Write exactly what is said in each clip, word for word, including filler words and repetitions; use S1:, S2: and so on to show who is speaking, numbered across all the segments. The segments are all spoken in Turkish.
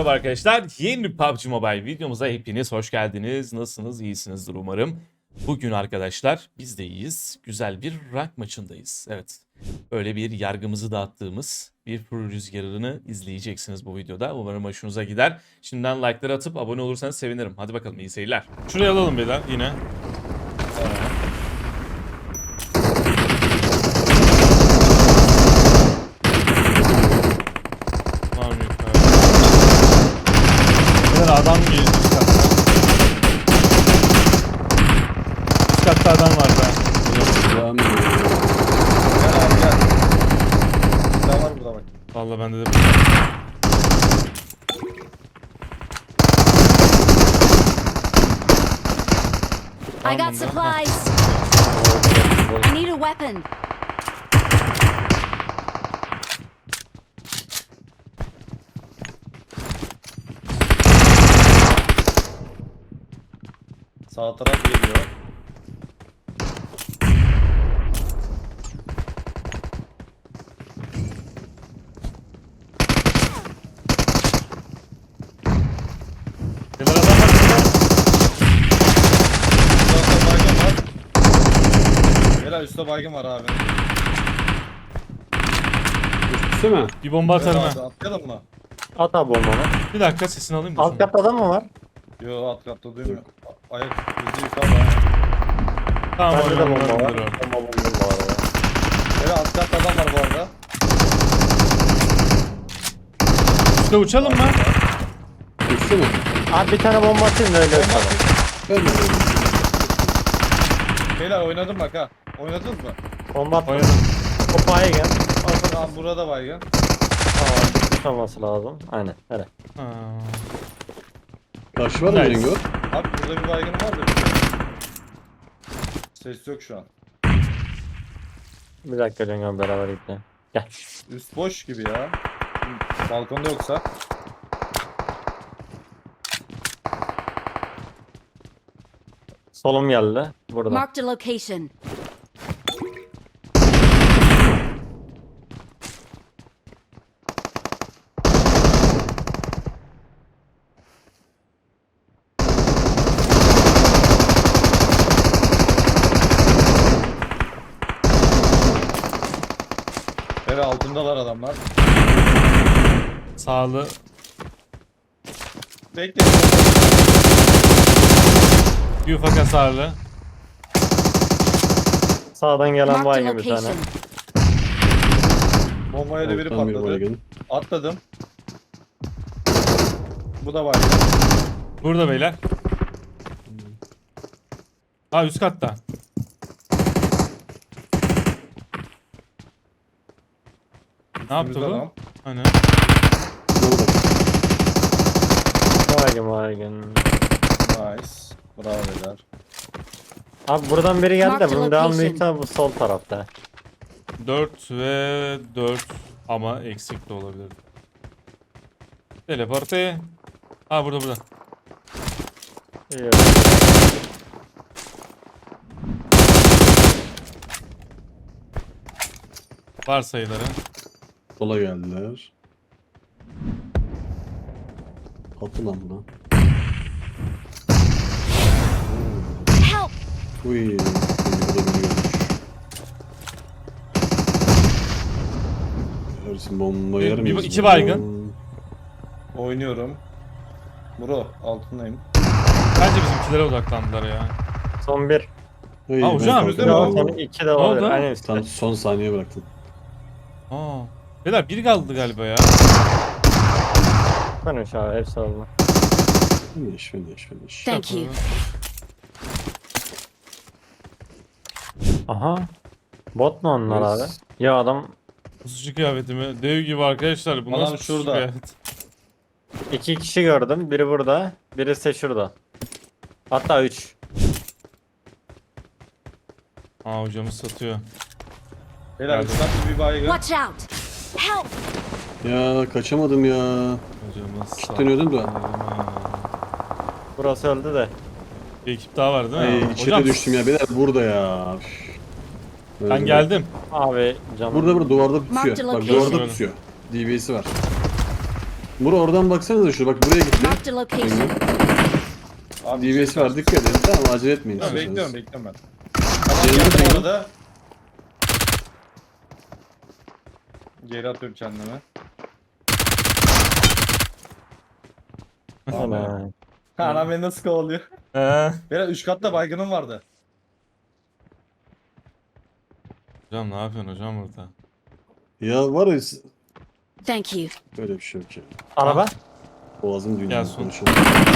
S1: Merhaba arkadaşlar. Yeni bir P U B G Mobile videomuza hepiniz hoş geldiniz. Nasılsınız? İyisinizdir umarım. Bugün arkadaşlar biz de iyiyiz. Güzel bir rank maçındayız. Evet. Böyle bir yargımızı dağıttığımız bir pro rüzgarını izleyeceksiniz bu videoda. Umarım hoşunuza gider. Şimdiden like'ları atıp abone olursanız sevinirim. Hadi bakalım, iyi seyirler. Şuraya alalım bir daha yine. Var mı yukarı? Böyle adam geliyor üst katta. Üst katta adam var be.
S2: Devam ediyor. Gel abi gel. Daha var burada bak.
S1: Vallahi bende de
S3: I got supplies. I need a weapon.
S2: Sağ taraf geliyor.
S1: Neler adam var burada?
S2: Üstte baygın var. Helal üstte baygın var abi.
S4: Üstü mü?
S1: Bir bomba atarım
S2: Evet
S1: ha.
S2: abi, atlayalım mı?
S4: At abi bombanı.
S1: Bir dakika sesini alayım da.
S4: Alt
S1: şunu.
S4: katta adam mı var?
S2: Yo alt katta duymuyor. Ayak yüzde yukarıda.
S1: Tamam,
S4: Bende de
S1: oyun
S4: bomba var.
S1: olabilir o.
S4: Bomba bomba var ya.
S2: Helal alt katta adam var bu arada.
S1: Üste uçalım mı?
S4: Üstü mü? Abi bir tane bomba atayım da öyle
S2: Bomba
S4: uçalım.
S2: atayım.
S4: Öyle mi?
S2: Helal oynadım bak ha. Oynadınız mı?
S4: Bomba attım.
S1: Oynadım.
S4: Kopaya gel.
S2: Tamam burada baygın.
S4: Tamam. Tutmaması lazım. Aynen. Hele.
S1: Ha.
S4: Karşı var
S1: mı
S4: mı
S1: Nice.
S4: Cengo?
S2: Abi burada bir baygın var da. Ses yok şu an.
S4: Bir dakika Cengo beraber gidelim. Gel.
S2: Üst boş gibi ya. Balkonda yoksa.
S4: Solum geldi. Burada.
S3: Marked a location.
S2: Evet altındalar adamlar.
S1: Sağlı.
S2: Bekle.
S1: Bir ufak hasarlı.
S4: Sağdan gelen
S3: Marked a
S4: baygın bir tane.
S3: location.
S2: Bombaya da biri
S4: Alttan bir
S2: patladı.
S4: baygın.
S2: Atladım. Bu da var.
S1: Burada beyler. Ha, üst katta. Ne yaptı bu?
S2: Adam.
S1: Hani?
S4: Burada. Baygın baygın.
S2: Nice. Bravo beyler.
S4: Abi buradan biri geldi de
S3: Marked
S4: bunun devamı
S3: location.
S4: büyük ihtimalle bu sol tarafta.
S1: dört ve dört ama eksik de olabilir. Teleporte. Ha, burada burada.
S4: İyi.
S1: Var sayıları.
S5: Sola geldiler. Atı lan buna.
S3: Help!
S5: Uy. Bu da beni görmüş. Ersin bomba
S1: Bir-
S5: yer
S1: bir-
S5: miyiz?
S1: iki baygın.
S2: Oynuyorum. Bro altındayım.
S1: Bence bizimkilere odaklandılar ya.
S4: Son bir.
S5: Hey,
S1: Aa,
S5: ben
S1: hocam,
S5: kalktım.
S2: mi?
S4: Yok, son iki de olabilir.
S1: oldu?
S4: Aynen
S5: Sen
S4: üstte.
S5: son saniye bıraktın.
S1: Aa. Beyler biri kaldı galiba ya.
S4: Konuş abi hepsi oldu.
S5: Finish finish finish.
S3: Thank you.
S4: Aha. Bot mu onlar abi?
S5: Yes.
S4: Ya adam
S1: Pusucu kıyafeti mi? Dev gibi arkadaşlar. Bu
S2: Adam
S1: nasıl pusucu
S2: şurada.
S1: kıyafet?
S4: iki kişi gördüm. Biri burada. Birisi de şurada. Hatta üç.
S1: Aa, hocamız satıyor.
S2: Beyler
S1: Geldi.
S2: üstten bir baygın.
S3: Watch out! Help!
S5: Ya kaçamadım ya.
S1: Hocamız
S5: Kitleniyordum da.
S1: satıyor.
S4: Burası öldü de.
S1: Bir ekip daha var değil mi?
S5: Ay içeri
S1: Hocam,
S5: düştüm ya. Beyler burada ya. Üf.
S1: ben
S5: Öyle.
S1: geldim.
S4: Abi canım.
S5: Burada burada duvarda
S3: Mark the
S5: pusuyor. Bak
S3: location.
S5: duvarda pusuyor. D B S'si var. Bura oradan baksanıza şu bak buraya gitti.
S3: Marked a location.
S2: Abi
S5: D B S var dikkat edin. Tamam acele etmeyin.
S2: Tamam,
S5: istiyorsanız.
S2: bekliyorum bekliyorum ben. Tamam
S5: Cengo,
S2: geldim
S5: Cengo.
S2: orada. Geri atıyorum kendime.
S4: Ana.
S2: Anam beni nasıl kovalıyor?
S1: Ee,
S2: Beyler üç katta baygınım vardı.
S1: hocam ne yapıyorsun hocam burada?
S5: Ya var ya
S3: Thank you.
S5: böyle bir şey yok ya.
S4: Araba.
S5: Boğazım düğümü
S1: Gel son.
S5: konuşalım.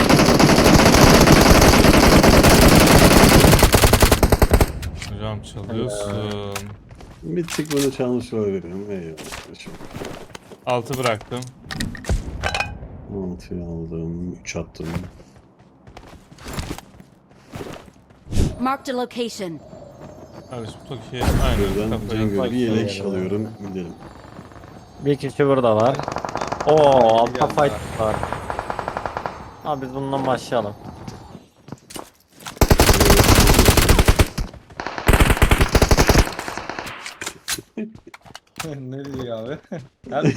S1: Hocam çalıyorsun.
S5: Bir tık bunu çalmış olabilirim. Eyvallah. kardeşim.
S1: Altı bıraktım.
S5: Altıyı aldım. Üç attım.
S3: Marked a location.
S1: Kardeşim Toki'ye aynen
S5: Buradan
S1: kafayı.
S5: Cengo bir yelek
S4: Kafayı
S5: alıyorum. Gidelim.
S4: Bir kişi burada var. Oo altta
S2: geldi
S4: fight var. Abi biz bundan başlayalım.
S2: Ne diyor abi? Nerede?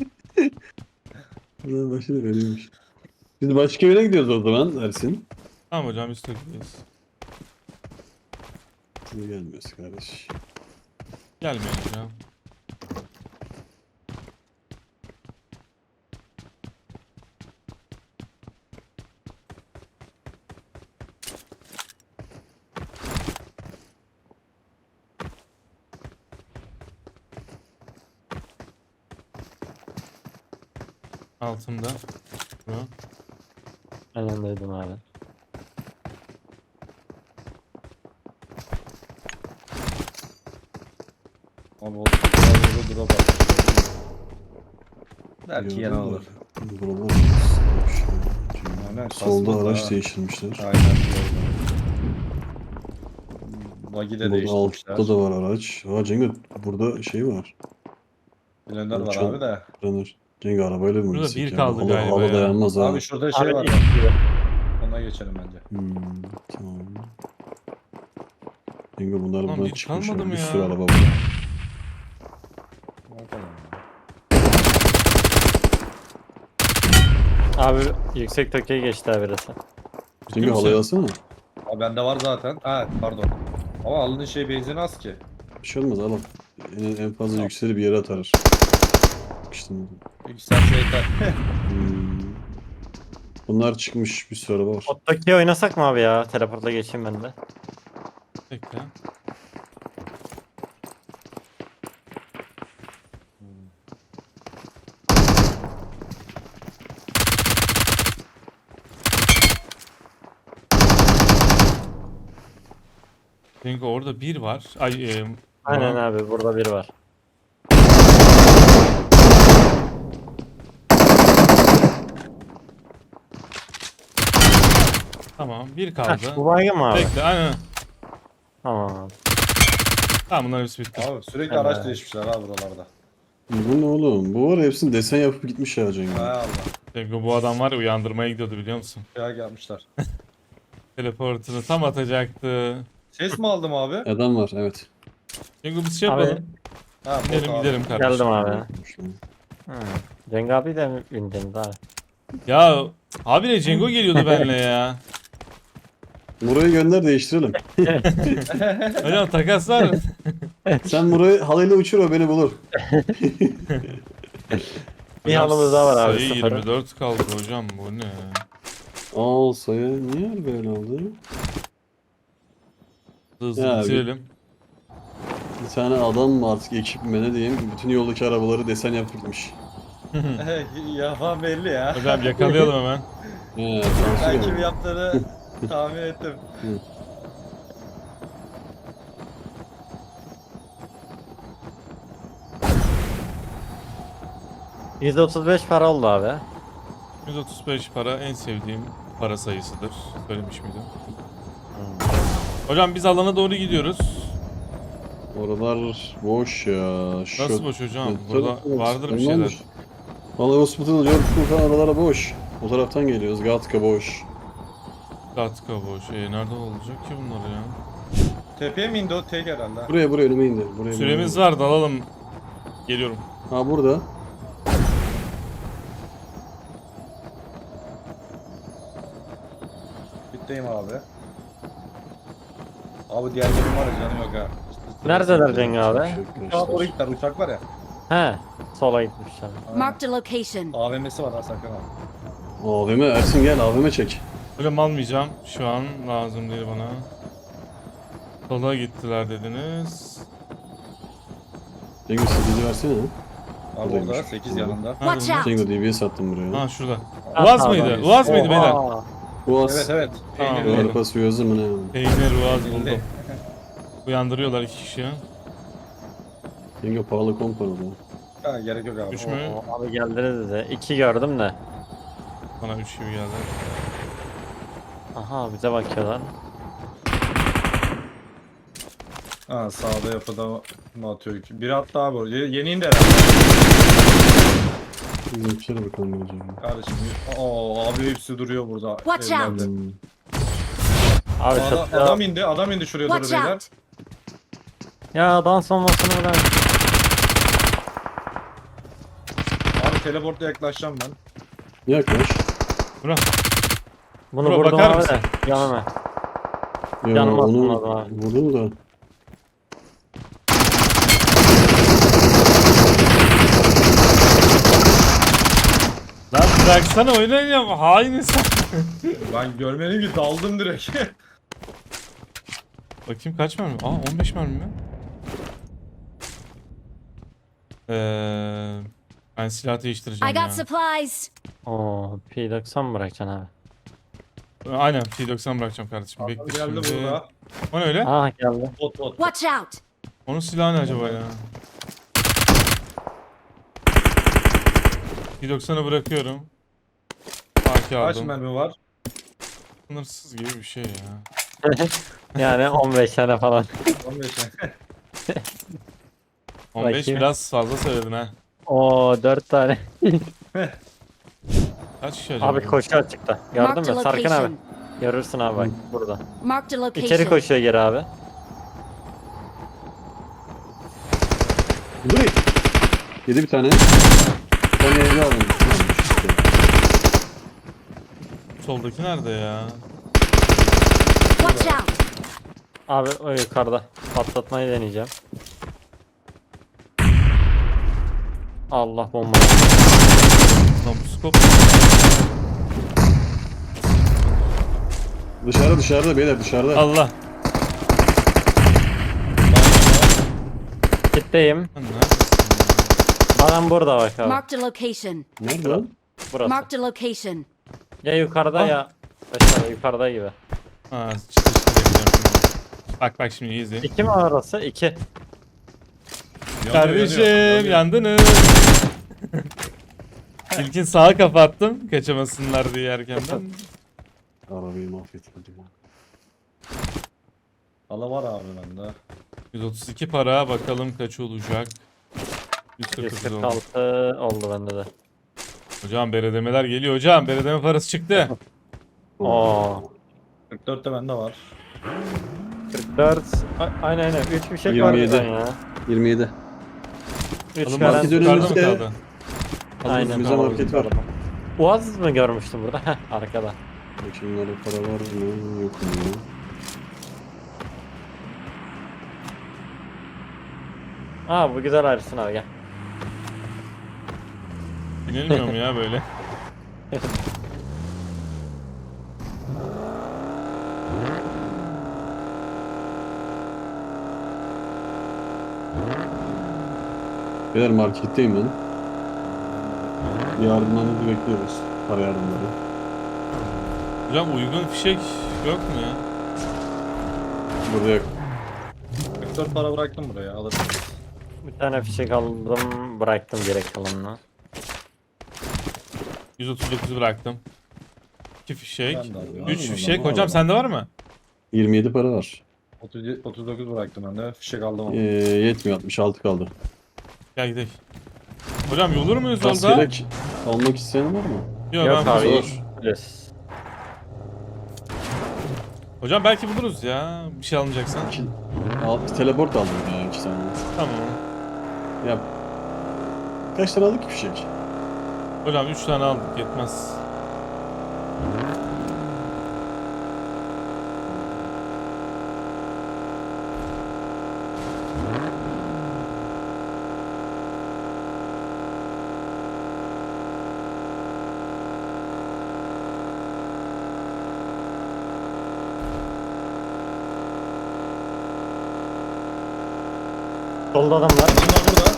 S5: Buradan başladık öyleymiş. Biz başka yere gidiyoruz o zaman Ersin.
S1: Tamam hocam biz Toki'deyiz.
S5: Niye gelmiyoruz kardeş?
S1: Gelmeyin hocam. Altımda. Şu.
S4: Aynen dedim abi.
S2: Abi o burada dura bak. Belki yana
S5: Gördüm
S2: alır.
S5: de, Buralar
S2: Aynen,
S5: solda
S2: kasmadı
S5: araç
S2: ha.
S5: değiştirmişler.
S2: Aynen gördüm. Buggy de
S5: Burada
S2: değiştirmişler.
S5: altta da var araç. Ha Cengo burada şey var.
S2: Blender var
S5: Uçan-
S2: abi de.
S5: Runner. Cengo arabayla mı
S1: Burada
S5: gitsek
S1: bir
S5: ya?
S1: kaldı
S5: Hava-
S1: galiba
S5: Hava
S1: ya.
S5: dayanmaz ha.
S2: Abi şurada şey
S4: Abi
S2: var.
S4: ilk gibi.
S2: Ona geçelim bence.
S5: Hmm, tamam. Cengo bunlar
S1: Lan
S5: buradan
S1: bir
S5: çıkmış.
S1: kalmadı
S5: abi.
S1: mı
S5: Bir
S1: ya?
S5: sürü araba var.
S2: Bakalım.
S4: Abi yüksek Tokyo'ya geçti abi birisi.
S5: Cengo halayı alsana.
S2: Abi bende var zaten. Ha pardon. Ama aldığın şey benzin az ki.
S5: Bir şey olmaz al al. En, en fazla yükseli bir yere atar. İşte
S2: Yükseltse yeter.
S5: hmm. Bunlar çıkmış bir sürü araba var.
S4: O Tokyo oynasak mı abi ya? Teleportla geçeyim ben de.
S1: Bekle. Çünkü orada bir var. Ay, e,
S4: Aynen
S1: bu-
S4: abi burada biri var.
S1: Tamam, bir
S4: Heh,
S1: kaldı.
S4: bu baygın mı abi?
S1: Bekle, aynen.
S4: Tamam abi.
S1: Tamam, bunlar hepsi bitti.
S2: Abi sürekli
S4: Evet.
S2: araç değişmişler ha buralarda.
S5: Bu ne oğlum? Bu var ya, hepsini desen yapıp gitmiş ya Cengo.
S2: Hay Allah.
S1: Çünkü bu adam var ya, uyandırmaya gidiyordu biliyor musun?
S2: Ya gelmişler.
S1: Teleportunu tam atacaktı.
S2: Ses mi aldım abi?
S5: Adam var evet.
S1: Çünkü biz şey
S4: Abi,
S1: yapalım.
S2: Ha,
S1: Gidelim
S2: bot abi.
S1: gidelim kardeşim.
S4: Geldim abi.
S5: Şu an.
S4: Hı. Cenk abi de mi bindiniz abi?
S1: Ya abi ne Cengo geliyordu benimle ya.
S5: Muray'ı gönder değiştirelim.
S1: Hocam takas var mı?
S5: Sen Muray'ı halayla uçur, o beni bulur.
S4: Bir halımız daha var abi,
S1: Sayı
S4: sıfır.
S1: yirmi dört kaldı hocam, bu ne?
S5: Al sayı. Niye öyle böyle oldu?
S1: Hızlı
S5: Ya abi.
S1: bitirelim.
S5: Bir tane adam mı artık ekip mi ne diyeyim, bütün yoldaki arabaları desen yapıp gitmiş.
S2: Yapan belli ya.
S1: Hocam yakalayalım hemen.
S5: He,
S2: Ben
S5: şansı
S2: kim
S5: yok.
S2: yaptığını tahmin ettim.
S4: yüz otuz beş para oldu abi.
S1: yüz otuz beş para en sevdiğim para sayısıdır. Söylemiş miydim? Hocam biz alana doğru gidiyoruz.
S5: Oralar boş ya. Şu...
S1: Nasıl boş hocam?
S5: Evet,
S1: Burada
S5: tabii,
S1: vardır bir
S5: ondan
S1: şeyler.
S5: boş. Vallahi hospital, Jordan falan aralara boş. O taraftan geliyoruz. Gatka boş.
S1: Katka boş. E, nerede olacak ki bunlar ya?
S2: Tepeye mi indi o tek herhalde?
S5: Buraya buraya önüme indi. Buraya
S1: Süremiz
S5: önüme
S1: var, dalalım. Geliyorum.
S5: indi. Ha burada.
S2: Kitleyim abi. Abi diğerlerim var ya canı yok ha.
S4: Neredeler Cengi abi?
S2: Uçağa doğru gittiler. Uçak var ya.
S4: He. Sola gitmişler.
S3: Marked a location.
S2: A V M'si var ha sakın abi.
S5: A V M Ersin gel A V M çek.
S1: Hocam almayacağım. Şu an lazım değil bana. Sola gittiler dediniz.
S5: Cengo sekizi versene.
S2: Abi
S5: Buradaymış.
S2: orada sekiz yanında.
S1: Nerede
S3: Watch
S1: bunlar?
S3: out.
S5: Cengo D B S attım buraya.
S1: Ha şurada.
S4: Ha,
S1: Uaz
S4: tamam,
S1: mıydı?
S4: abi.
S1: Uaz mıydı beyler?
S4: Oha.
S5: Boğaz.
S2: Evet evet.
S1: Tamam,
S2: Peynirli.
S1: doğru.
S5: Arpa suyu hazır mı ne?
S1: Peynir Uaz buldum.
S2: Peynirli.
S1: Uyandırıyorlar iki kişi.
S5: Cengo pahalı komp var o zaman.
S2: Ha, gerek yok abi.
S1: Düşme.
S4: Oo, abi geldiniz bize. İki gördüm de.
S1: Bana üç gibi geldi.
S4: Aha bize bakıyorlar.
S2: Ha sağda yapıda mı atıyor ki? Biri attı abi oraya. Yeni indi herhalde.
S5: Şimdi bir şeye bakalım ne Cengo.
S2: Kardeşim. Oo abi hepsi duruyor burada.
S3: Watch
S2: evlerde.
S3: out.
S5: Hmm.
S4: Abi
S2: Adam,
S4: çatıya...
S2: adam indi. Adam indi şuraya doğru
S3: Watch
S2: beyler.
S3: out.
S4: Ya dans olmasını bırak.
S2: Abi teleportla yaklaşacağım ben.
S5: Yaklaş.
S1: Bura.
S4: Bunu
S1: Bro,
S4: vurdum
S1: bakar
S4: abi
S1: mısın?
S4: de. Yanıma.
S5: Ya
S4: Yanıma
S5: onu
S4: atmadım abi.
S5: vurdum da.
S1: Lan bıraksana oynayacağım. Hain insan.
S2: Ben görmedim ki daldım direkt.
S1: Bakayım kaç mermi? Aa on beş mermi mi? Eee ben silah
S3: I
S1: değiştireceğim
S3: got
S1: ya.
S3: supplies.
S4: Oo, P doksan mı bırakacaksın abi?
S1: Aynen P doksan bırakacağım kardeşim.
S2: Adam
S1: Bekle
S2: geldi
S1: şimdi.
S2: burada.
S1: O ne öyle?
S4: Ah geldi.
S2: Bot bot.
S3: Watch out.
S1: Onun silahı ne acaba ya? P doksanı bırakıyorum. A K
S2: Kaç
S1: aldım.
S2: mermi var?
S1: Sınırsız gibi bir şey ya.
S4: Yani on beş tane falan.
S2: on beş.
S1: on beş
S4: Bakayım.
S1: biraz fazla söyledin ha.
S4: Oo dört tane.
S1: Kaç kişi acaba?
S4: Abi koşuyor çıktı. Gördün
S3: Marked a
S4: mü? Sarkın abi.
S3: location.
S4: Görürsün abi bak burada.
S3: Marked a
S4: İçeri
S3: location.
S4: koşuyor geri abi.
S5: Dur. Yedi bir tane. Bir tane evde aldım. İşte.
S1: Soldaki nerede ya?
S3: Watch out.
S4: Abi o yukarıda. Patlatmayı deneyeceğim. Allah bomba.
S1: Lan bu skop.
S5: Dışarıda dışarıda beyler dışarıda.
S1: Allah.
S4: Kitleyim.
S1: Lan neredesin
S4: Adam burada bak abi.
S3: Marked a location.
S5: Nerede lan?
S4: Burası.
S3: Marked a location.
S4: Ya yukarıda
S1: Ah.
S4: ya. Aşağıda yukarıda gibi.
S1: ya? Ha çıtı çıtı gideceğim şimdi. Bak bak şimdi iyi izleyin.
S4: İki mi orası? İki.
S1: Kardeşim yandınız. İlkin sağa kapattım. Kaçamasınlar diye erkenden.
S5: Arabayı mahvetmedim.
S2: Allah var abi bende.
S1: yüz otuz iki para bakalım kaç olacak. yüz kırk
S4: yüz
S1: dokuz
S4: kırk
S1: oldu.
S4: altı oldu bende de.
S1: Hocam beredemeler geliyor hocam. Beredeme parası çıktı.
S4: Oo.
S2: kırk dört de bende var.
S4: kırk dört. A- Aynen aynen. üç bir şey
S5: yirmi
S4: var
S5: yedi.
S4: bizden ya.
S5: yirmi yedi.
S4: üç
S1: Alın
S4: garanti.
S1: market
S5: dönemi-
S1: yukarıda mı
S5: önümüzde-
S1: kaldı?
S4: Aynen.
S5: Önümüzde
S4: tamam,
S5: market var.
S4: yukarıda. Uaz mı görmüştüm burada? Heh, arkada.
S5: Bakayım orada para var mı? Yok mu?
S4: Aa bu güzel Ersin abi gel.
S1: Binilmiyor mu ya böyle?
S5: Beyler marketteyim ben. Yardımlarınızı bekliyoruz. Para yardımları.
S1: Hocam uygun fişek yok mu ya?
S5: Burada yok.
S2: kırk dört para bıraktım buraya alırsınız.
S4: Bir tane fişek aldım bıraktım gerek kalanını.
S1: yüz otuz dokuz bıraktım. iki fişek.
S2: Ben de alıyorum.
S1: üç
S5: Alalım,
S1: fişek.
S5: alalım.
S1: Hocam sende var mı?
S5: yirmi yedi para var.
S2: otuz yedi otuz dokuz bıraktım ben de. Fişek aldım
S5: Ee,
S2: ama.
S5: yetmiyor altmış altı kaldı.
S1: Gel gidelim. Hocam yolur muyuz yolda?
S5: Kaskelek almak isteyen var mı?
S1: Yok,
S4: Yok
S1: ben
S4: abi.
S5: Zor.
S4: Yes.
S1: Hocam belki buluruz ya. Bir şey alınacaksan.
S5: İki, al, teleport aldım ya iki tane.
S1: Tamam.
S5: Ya kaç tane aldık ki fişek?
S1: Hocam üç tane aldık yetmez.
S4: Solda adam var.
S2: Adamlar burada.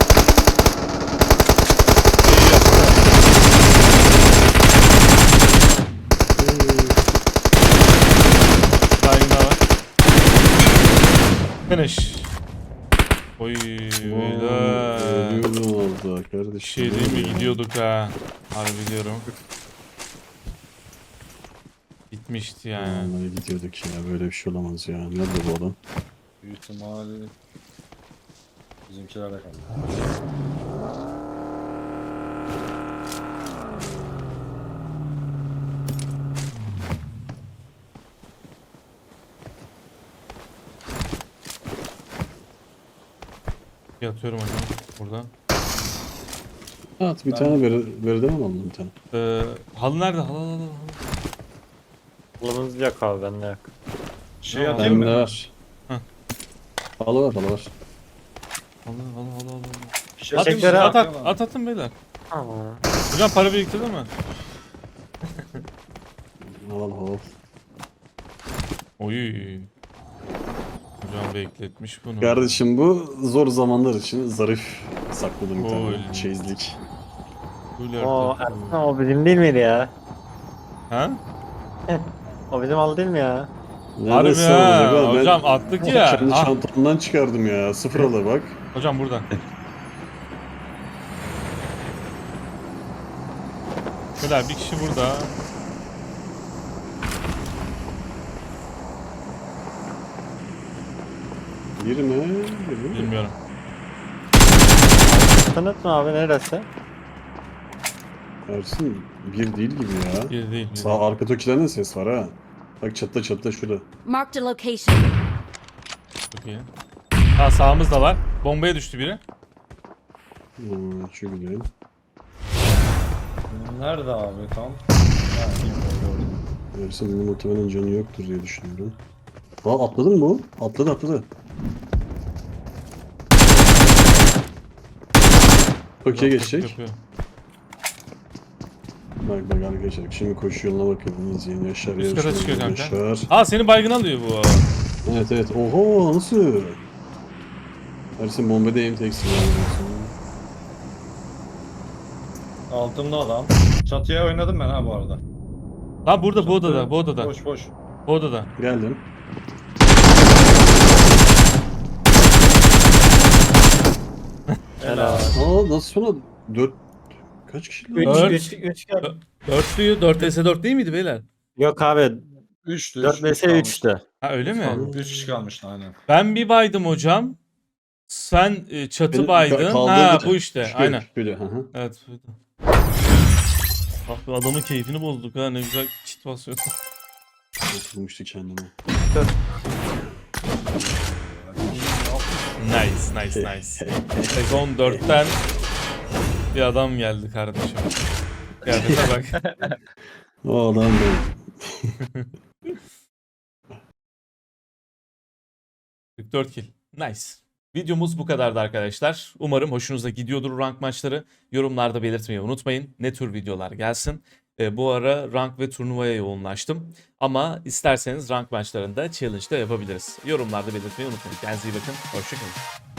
S1: Baygın var. Finish. Oy beyler.
S5: Ölüyordum orada
S1: Bir
S5: kardeşim.
S1: şey değil mi gidiyorduk ha. Harbi diyorum. Bitmişti yani.
S5: Vallahi gidiyorduk ya, böyle bir şey olamaz ya. Nerede bu adam?
S2: Büyük ihtimal bizimkilerle kaldı.
S1: Yatıyorum hocam burada.
S5: At bir
S2: Ben-
S5: tane ver, verdim mi aldın bir tane?
S1: Ee, halı nerede? Halı halı halı.
S4: Kulumuz yok abi, bende yok.
S2: Şey
S1: Tamam.
S2: atayım
S5: Bende
S2: mı?
S5: var.
S1: Heh.
S5: Halı var, halı var.
S1: Halı halı halı halı.
S2: Şey
S1: At,
S2: atayım mı?
S4: Teşekkür
S1: at, at,
S2: Atayım
S1: at atın beyler.
S4: Tamam.
S1: Hocam para biriktirdin mi?
S5: Halı halı.
S1: Oy. Hocam bekletmiş bunu.
S5: Kardeşim bu zor zamanlar için zarif sakladım bir tane
S1: Oy.
S5: çeyizlik.
S1: Full
S4: O
S1: artı.
S4: Ersin, o bizim değil miydi ya?
S1: Ha?
S4: O bizim al değil mi ya?
S1: Harbi
S5: Neresi
S1: ha.
S5: olacak oğlum? Ben
S1: Hocam attık ya.
S5: kendi
S1: Ah,
S5: çantamdan çıkardım ya. Sıfır halı bak.
S1: hocam burada. Beyler bir kişi burada.
S5: Bir mi? Bir mi?
S1: Bilmiyorum.
S4: Tanıt mı abi, neresi?
S5: Ersin bir değil gibi ya.
S1: Bir değil. Bir
S5: Sağ
S1: değil.
S5: arka tokilerden ses var ha. Bak çatta çatta şurada.
S3: Marked a location.
S1: Çok iyi. Ha sağımızda var. Bombaya düştü biri.
S5: Hmm, şu güzel.
S2: Nerede abi tam? Ha, gördüm.
S5: Ersin bunun muhtemelen canı yoktur diye düşünüyorum. Aa atladı mı bu? Atladı atladı. Toki'ye geçecek.
S1: Yapıyor.
S5: Bak bak arkadaşlar şimdi koşu yoluna bakın, izleyin. Yaşar
S1: Üst kata
S5: Yaşar,
S1: çıkıyor kanka.
S5: Yaşar.
S1: Aa seni baygın alıyor bu.
S5: Evet evet. Oho nasıl? Ersin bombadayım teksin.
S2: Altımda adam. Çatıya oynadım ben ha bu arada.
S1: Lan burada bu odada bu odada.
S2: Boş boş.
S1: Bu odada.
S5: Geldim.
S4: Helal.
S5: Aa nasıl sonra dört kaç kişi lan?
S1: Dört.
S4: üç, üç, üç gel.
S1: Dörtlüyü dört vs dört değil miydi beyler?
S4: Yok abi,
S2: Üçtü.
S4: dört vs üçtü.
S1: Ha öyle mi?
S2: Üç kişi kalmıştı aynen.
S1: Ben bir baydım hocam. Sen e, çatı
S5: Beni
S1: baydın.
S5: ka- kaldırdı.
S1: Ha bu işte.
S5: Şöyle,
S1: Aynen.
S5: Şöyle, hı hı.
S1: Evet. buydu. Ah be adamın keyfini bozduk ha ne güzel kit basıyordu.
S5: Oturmuştu kendime.
S1: Nice nice nice. Sezon dörtten bir adam geldi kardeşim. Kıyafete bak.
S5: O adam benim.
S1: kırk dört kill. Nice. Videomuz bu kadardı arkadaşlar. Umarım hoşunuza gidiyordur rank maçları. Yorumlarda belirtmeyi unutmayın. Ne tür videolar gelsin. E, bu ara rank ve turnuvaya yoğunlaştım. Ama isterseniz rank maçlarında challenge da yapabiliriz. Yorumlarda belirtmeyi unutmayın. Kendinize iyi bakın. Hoşçakalın.